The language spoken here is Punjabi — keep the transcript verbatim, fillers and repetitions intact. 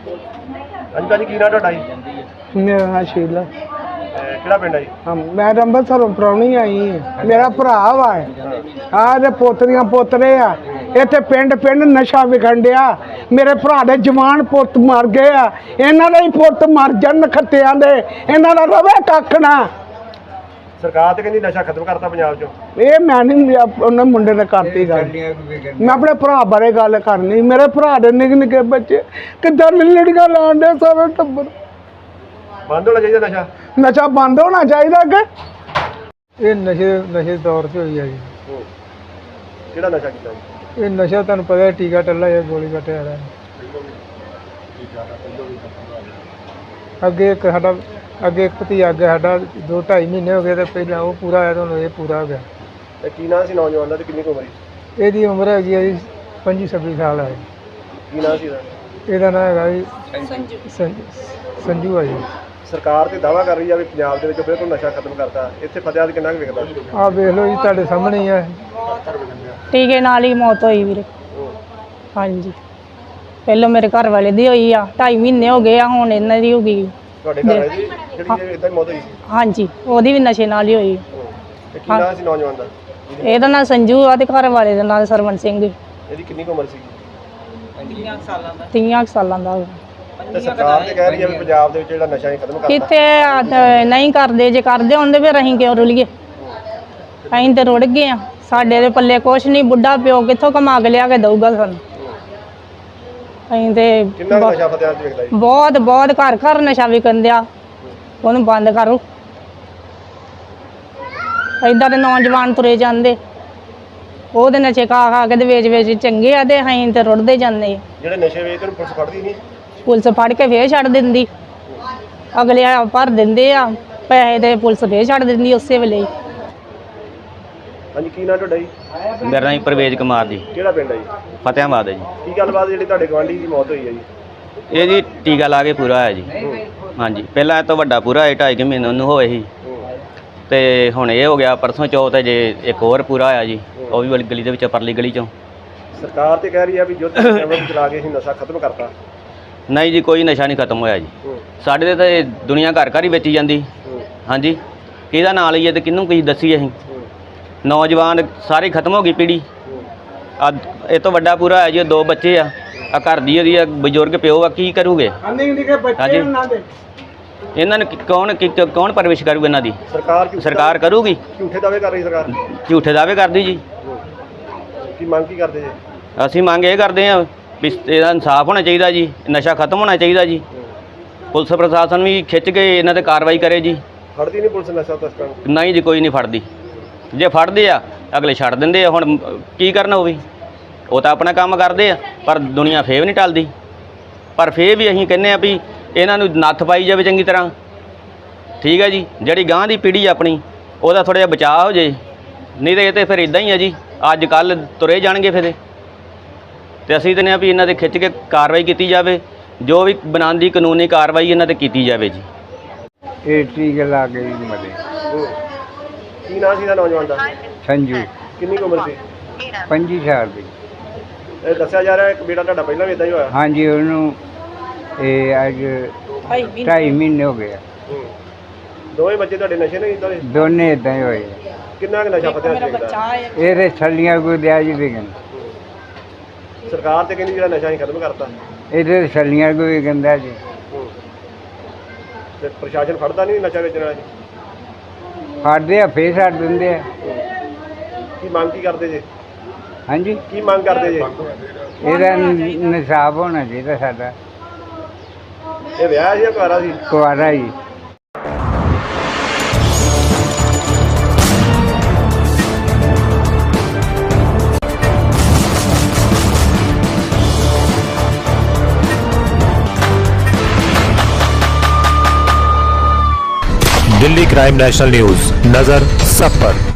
ਹਾਂਜੀ ਭਾਜੀ ਕੀ ਨਾਂ ਤੁਹਾਡਾ ਜੀ? ਮੇਰਾ ਨਾਂ ਸ਼ੀਲਾ। ਕਿਹੜਾ ਪਿੰਡ ਹੈ ਜੀ? ਹਾਂ ਮੈਂ ਤਾਂ ਅੰਮ੍ਰਿਤਸਰੋਂ ਪ੍ਰਾਹੁਣੀ ਆਈ ਹਾਂ। ਮੇਰਾ ਭਰਾ ਵਾ ਆਹ ਦੇ ਪੋਤਰੀਆਂ ਪੋਤਰੇ ਆ। ਇੱਥੇ ਪਿੰਡ ਪਿੰਡ ਨਸ਼ਾ ਵਿਖਣ ਡਿਆ। ਮੇਰੇ ਭਰਾ ਦੇ ਜਵਾਨ ਪੁੱਤ ਮਰ ਗਏ ਆ। ਇਹਨਾਂ ਦੇ ਹੀ ਪੁੱਤ ਮਰ ਜਾਣ ਖੱਤਿਆਂ ਦੇ, ਇਹਨਾਂ ਦਾ ਰਵੇ ਕੱਖ ਨਾ। ਸਰਕਾਰ ਤੇ ਕਹਿੰਦੀ ਨਸ਼ਾ ਖਤਮ ਕਰਤਾ ਪੰਜਾਬ ਚੋਂ। ਇਹ ਮੈਂ ਨਹੀਂ ਉਹਨੇ ਮੁੰਡੇ ਨੇ ਕਰਤੀ ਗੱਲ। ਮੈਂ ਆਪਣੇ ਭਰਾ ਬਾਰੇ ਗੱਲ ਕਰਨੀ। ਮੇਰੇ ਭਰਾ ਦੇ ਨਿੱਕੇ ਨਿੱਕੇ ਬੱਚੇ ਕਿੱਦਾਂ ਲੜੀਆਂ ਲਾਉਣ ਦੇ ਸਾਰਾ ਟੱਬਰ। ਬੰਦ ਹੋਣਾ ਚਾਹੀਦਾ ਨਸ਼ਾ। ਨਸ਼ਾ ਬੰਦ ਹੋਣਾ ਚਾਹੀਦਾ ਕਿ ਇਹ ਨਸ਼ੇ ਨਸ਼ੇ ਦੌਰ 'ਚ ਹੋਈ ਆ ਜੀ। ਕਿਹੜਾ ਨਸ਼ਾ ਕੀਤਾ ਜੀ? ਇਹ ਨਸ਼ਾ ਤੁਹਾਨੂੰ ਪਤਾ ਹੈ, ਟੀਕਾ ਟੱਲਾ ਜਾਂ ਗੋਲੀ ਕੱਟਿਆ ਵਾਲਾ। ਅੱਗੇ ਇੱਕ ਸਾਡਾ ਅੱਗੇ ਇੱਕ ਭਤੀਜਾ ਅੱਗੇ ਸਾਡਾ ਦੋ ਢਾਈ ਮਹੀਨੇ ਹੋ ਗਏ ਤੇ ਪਹਿਲਾਂ ਉਹ ਪੂਰਾ ਹੋਇਆ, ਤੁਹਾਨੂੰ ਇਹ ਪੂਰਾ ਹੋ ਗਿਆ। ਤੇ ਕੀ ਨਾਂ ਸੀ ਨੌਜਵਾਨ ਦਾ ਤੇ ਕਿੰਨੀ ਕੁ ਉਮਰ ਸੀ? ਇਹਦੀ ਉਮਰ ਹੈਗੀ ਹੈ ਜੀ ਪੰਜੀ ਛੱਬੀ ਸਾਲ ਹੈ। ਕੀ ਨਾਂ ਸੀ ਇਹਦਾ? ਇਹਦਾ ਨਾਂ ਹੈਗਾ ਜੀ ਸੰਜੂ ਸੰਜੂ ਆ ਜੀ। ਸਰਕਾਰ ਤੇ ਦਾਅਵਾ ਕਰ ਰਹੀ ਆ ਵੀ ਪੰਜਾਬ ਦੇ ਵਿੱਚ ਬਿਲਕੁਲ ਨਸ਼ਾ ਖਤਮ ਕਰਤਾ। ਇੱਥੇ ਫਤਿਆਦ ਕਿੰਨਾ ਕੁ ਵਿਕਦਾ? ਆਹ ਵੇਖ ਲਓ ਜੀ, ਤੁਹਾਡੇ ਸਾਹਮਣੇ ਹੀ ਆ। ਟੀਕੇ ਨਾਲ ਹੀ ਮੌਤ ਹੋਈ ਵੀਰੇ। ਹਾਂਜੀ ਪਹਿਲਾਂ ਮੇਰੇ ਘਰ ਵਾਲੇ ਦੀ ਹੋਈ ਆ, ਢਾਈ ਮਹੀਨੇ ਹੋ ਗਏ ਆ, ਹੁਣ ਇਹਨਾਂ ਦੀ ਹੋ ਗਈ। ਤੁਹਾਡੇ ਘਰ ਦੀ ਜਿਹੜੀ ਇਦਾਂ ਹੀ ਮੌਤ ਹੋਈ ਸੀ? ਹਾਂਜੀ ਉਹਦੀ ਵੀ ਨਸ਼ੇ ਨਾਲ ਹੀ ਹੋਈ। ਤੇ ਕੀ ਨਾਂ ਸੀ ਨੌਜਵਾਨ ਦਾ? ਇਹਦਾ ਨਾਂ ਸੰਜੂ ਆ ਤੇ ਘਰ ਵਾਲੇ ਦਾ ਨਾਂ ਸਰਵਨ ਸਿੰਘ। ਇਹਦੀ ਕਿੰਨੀ ਕੁ ਉਮਰ ਸੀ? ਤੀਆਂ ਕੁ ਸਾਲਾਂ ਦਾ ਹੋਇਆ। ਤੇ ਸਰਕਾਰ ਤੇ ਕਹਿ ਰਹੀ ਆ ਵੀ ਪੰਜਾਬ ਦੇ ਵਿੱਚ ਜਿਹੜਾ ਨਸ਼ਾ ਹੀ ਖਤਮ ਕਰਤਾ। ਕਿੱਥੇ ਆ, ਤੇ ਨਹੀਂ ਕਰਦੇ, ਜੇ ਕਰਦੇ ਹੁੰਦੇ ਫਿਰ ਅਸੀਂ ਕਿਉਂ ਰੁਲੀਏ? ਅਸੀਂ ਤੇ ਰੁੜ ਗਏ ਆ। ਸਾਡੇ ਦੇ ਪੱਲੇ ਕੁਛ ਨਹੀਂ। ਬੁੱਢਾ ਪਿਓ ਕਿੱਥੋਂ ਕਮਾ ਕੇ ਲਿਆ ਕੇ ਦਊਗਾ ਸਾਨੂੰ? ਅਸੀਂ ਤੇ ਕਿੰਨਾ ਕੁ ਨਸ਼ਾ ਫਤਿਆਦ 'ਚ ਵਿਕਦਾ ਜੀ? ਬਹੁਤ ਬਹੁਤ ਘਰ ਘਰ ਨਸ਼ਾ ਵਿਕਣ ਦਿਆ। ਉਹਨੂੰ ਬੰਦ ਕਰੋ। ਏਦਾਂ ਦੇ ਨੌਜਵਾਨ ਤੁਰੇ ਜਾਂਦੇ, ਉਹਦੇ ਨਸ਼ੇ ਖਾ ਖਾ ਕੇ ਤੇ ਵੇਚ ਵੇਚ ਚੰਗੇ ਆ ਤੇ ਅਸੀਂ ਤੇ ਰੁੜਦੇ ਜਾਂਦੇ। ਜਿਹੜੇ ਨਸ਼ੇ ਵੇਚਦੇ ਨੂੰ ਪੁਲਿਸ ਫੜਦੀ ਨਹੀਂ? ਪੁਲਿਸ ਫੜ ਕੇ ਫੇਰ ਛੱਡ ਦਿੰਦੀ। ਅਗਲੇ ਆ ਭਰ ਦਿੰਦੇ ਆ ਪੈਸੇ ਤੇ ਪੁਲਿਸ ਫੇਰ ਛੱਡ ਦਿੰਦੀ ਉਸੇ ਵੇਲੇ ਹੀ। ਹਾਂਜੀ ਕੀ ਨਾਂ ਤੁਹਾਡਾ ਜੀ? ਮੇਰਾ ਨਾਮ ਪਰਵੇਜ਼ ਕੁਮਾਰ ਜੀ। ਕਿਹੜਾ ਪਿੰਡ ਹੈ ਜੀ? ਫਤਿਆਬਾਦ ਹੈ ਜੀ। ਕੀ ਗੱਲਬਾਤ ਜਿਹੜੀ ਤੁਹਾਡੇ ਗੁਆਂਢੀ ਦੀ ਮੌਤ ਹੋਈ ਹੈ ਜੀ? ਇਹ ਜੀ ਟੀਕਾ ਲਾ ਕੇ ਪੂਰਾ ਹੋਇਆ ਜੀ। ਹਾਂਜੀ ਪਹਿਲਾਂ ਇਹ ਤੋਂ ਵੱਡਾ ਪੂਰਾ ਹੋਇਆ, ਢਾਈ ਕੁ ਮਹੀਨੇ ਉਹਨੂੰ ਹੋਏ ਸੀ ਤੇ ਹੁਣ ਇਹ ਹੋ ਗਿਆ ਪਰਸੋਂ ਚੌਥ ਜੇ ਇੱਕ ਹੋਰ ਪੂਰਾ ਹੋਇਆ ਜੀ, ਉਹ ਵੀ ਵਾਲੀ ਗਲੀ ਦੇ ਵਿੱਚ ਪਰਲੀ ਗਲੀ ਚੋਂ। ਸਰਕਾਰ ਤੇ ਕਹਿ ਰਹੀ ਆ ਵੀ ਯੁੱਧ ਕੈਮਰਾ ਚਲਾ ਕੇ ਅਸੀਂ ਨਸ਼ਾ ਖਤਮ ਕਰਤਾ। ਨਹੀਂ ਜੀ ਕੋਈ ਨਸ਼ਾ ਨਹੀਂ ਖਤਮ ਹੋਇਆ ਜੀ। ਸਾਡੇ ਤੇ ਤਾਂ ਦੁਨੀਆ ਘਰ ਘਰ ਹੀ ਵੇਚੀ ਜਾਂਦੀ। ਹਾਂਜੀ ਕਿਹਦਾ ਨਾਂ ਲਈਏ ਤੇ ਕਿਹਨੂੰ ਕੀ ਦੱਸੀਏ ਅਸੀਂ? ਨੌਜਵਾਨ ਸਾਰੀ ਖਤਮ ਹੋ ਗਈ ਪੀੜ੍ਹੀ। ਆ ਇਹ ਤੋਂ ਵੱਡਾ ਪੂਰਾ ਹੈ ਜੀ, ਦੋ ਬੱਚੇ ਆ, ਆ ਘਰ ਦੀ ਉਹਦੀ ਬਜ਼ੁਰਗ ਪਿਓ ਆ, ਕੀ ਕਰੂਗੇ? ਹਾਂਜੀ ਇਹਨਾਂ ਨੂੰ ਕੌਣ ਕੌਣ ਪਰਵਿਸ਼ ਕਰੂਗਾ ਇਹਨਾਂ ਦੀ? ਸਰਕਾਰ ਸਰਕਾਰ ਕਰੂਗੀ। ਝੂਠੇ ਦਾਅਵੇ ਕਰ ਰਹੀ ਸਰਕਾਰ। ਝੂਠੇ ਦਾਅਵੇ ਕਰਦੀ ਜੀ। ਕੀ ਮੰਗ ਕੀ ਕਰਦੇ ਜੀ? ਅਸੀਂ ਮੰਗ ਇਹ ਕਰਦੇ ਹਾਂ ਵੀ ਇਹਦਾ ਇਨਸਾਫ ਹੋਣਾ ਚਾਹੀਦਾ ਜੀ, ਨਸ਼ਾ ਖਤਮ ਹੋਣਾ ਚਾਹੀਦਾ ਜੀ। ਪੁਲਿਸ ਪ੍ਰਸ਼ਾਸਨ ਵੀ ਖਿੱਚ ਕੇ ਇਹਨਾਂ ਤੇ ਕਾਰਵਾਈ ਕਰੇ ਜੀ। ਫੜਦੀ ਨਹੀਂ ਪੁਲਿਸ ਨਸ਼ਾ ਤਸਕਰਾਂ ਨੂੰ? ਨਹੀਂ ਜੀ ਕੋਈ ਨਹੀਂ ਫੜਦੀ। ਜੇ ਫੜਦੇ ਆ ਅਗਲੇ ਛੱਡ ਦਿੰਦੇ ਆ। ਹੁਣ ਕੀ ਕਰਨਾ ਉਹ ਵੀ, ਉਹ ਤਾਂ ਆਪਣਾ ਕੰਮ ਕਰਦੇ ਆ, ਪਰ ਦੁਨੀਆ ਫੇਰ ਵੀ ਨਹੀਂ ਟਲਦੀ। ਪਰ ਫੇਰ ਵੀ ਅਸੀਂ ਕਹਿੰਦੇ ਆ ਵੀ ਇਹਨਾਂ ਨੂੰ ਨੱਥ ਪਾਈ ਜਾਵੇ ਚੰਗੀ ਤਰ੍ਹਾਂ। ਠੀਕ ਹੈ ਜੀ, ਜਿਹੜੀ ਗਾਂਹ ਦੀ ਪੀੜ੍ਹੀ ਆਪਣੀ ਉਹਦਾ ਥੋੜ੍ਹਾ ਜਿਹਾ ਬਚਾਅ ਹੋ ਜੇ, ਨਹੀਂ ਤਾਂ ਇਹ ਤਾਂ ਫਿਰ ਇੱਦਾਂ ਹੀ ਆ ਜੀ, ਅੱਜ ਕੱਲ੍ਹ ਤੁਰੇ ਜਾਣਗੇ ਫਿਰ। ਤੇ ਅਸੀਂ ਕਹਿੰਦੇ ਆ ਵੀ ਇਹਨਾਂ 'ਤੇ ਖਿੱਚ ਕੇ ਕਾਰਵਾਈ ਕੀਤੀ ਜਾਵੇ, ਜੋ ਵੀ ਬਣਾਉਂਦੀ ਕਾਨੂੰਨੀ ਕਾਰਵਾਈ ਇਹਨਾਂ 'ਤੇ ਕੀਤੀ ਜਾਵੇ ਜੀ। ਇਹ ਟੀਕਾ ਲਾ ਕੇ ਜੀ ਮਰੇ। ਕੀ ਨਾਂ ਸੀ ਇਹਦਾ ਨੌਜਵਾਨ ਦਾ? ਸੰਜੂ ਕਿੰਨੀ ਕੁ ਉਮਰ ਸੀ? ਪੰਜੀ ਸਾਲ ਦੀ। ਇਹ ਦੱਸਿਆ ਜਾ ਰਿਹਾ ਇੱਕ ਬੇਟਾ ਤੁਹਾਡਾ ਪਹਿਲਾਂ ਵੀ ਇਦਾਂ ਹੀ ਹੋਇਆ? ਹਾਂਜੀ ਉਹਨੂੰ ਇਹ ਅੱਜ ਢਾਈ ਮਹੀਨੇ ਹੋ ਗਏ ਆ। ਦੋਵੇਂ ਬੱਚੇ ਤੁਹਾਡੇ ਨਸ਼ੇ ਨਹੀਂ ਇਦਾਂ ਦੇ? ਦੋਨੇ ਇਦਾਂ ਹੀ ਹੋਏ। ਕਿੰਨਾ ਕੁ ਨਸ਼ਾ ਫਤਿਆਦ 'ਚ ਵਿਕਦਾ? ਇਹਦੇ ਛੱਲੀਆਂ ਕੋਈ ਦਿਆ ਜੀ ਵਿਕਣ। ਸਰਕਾਰ ਤੇ ਕਹਿੰਦੀ ਜਿਹੜਾ ਨਸ਼ਾ ਅਸੀਂ ਖਤਮ ਕਰਤਾ। ਇਹਦੇ ਛੱਲੀਆਂ ਕੋਈ ਵਿਕਦਾ ਜੀ। ਤੇ ਪ੍ਰਸ਼ਾਸਨ ਫੜਦਾ ਨਹੀਂ ਨਸ਼ਾ ਵੇਚਣ ਵਾਲਾ ਜੀ? ਫੜਦੇ ਆ ਫੇਰ ਛੱਡ ਦਿੰਦੇ ਆ। ਕੀ ਮੰਗ ਕੀ ਕਰਦੇ ਜੇ? ਹਾਂਜੀ ਕੀ ਮੰਗ ਕਰਦੇ ਜੇ? ਇਹਦਾ ਨਿਸਾਬ ਹੋਣਾ ਚਾਹੀਦਾ ਸਾਡਾ। ਇਹ ਵਿਆਹ ਸੀ ਜਾਂ ਕੁਆਰਾ ਸੀ? ਕੁਆਰਾ ਜੀ। दिल्ली क्राइम नेशनल न्यूज, नजर सब पर।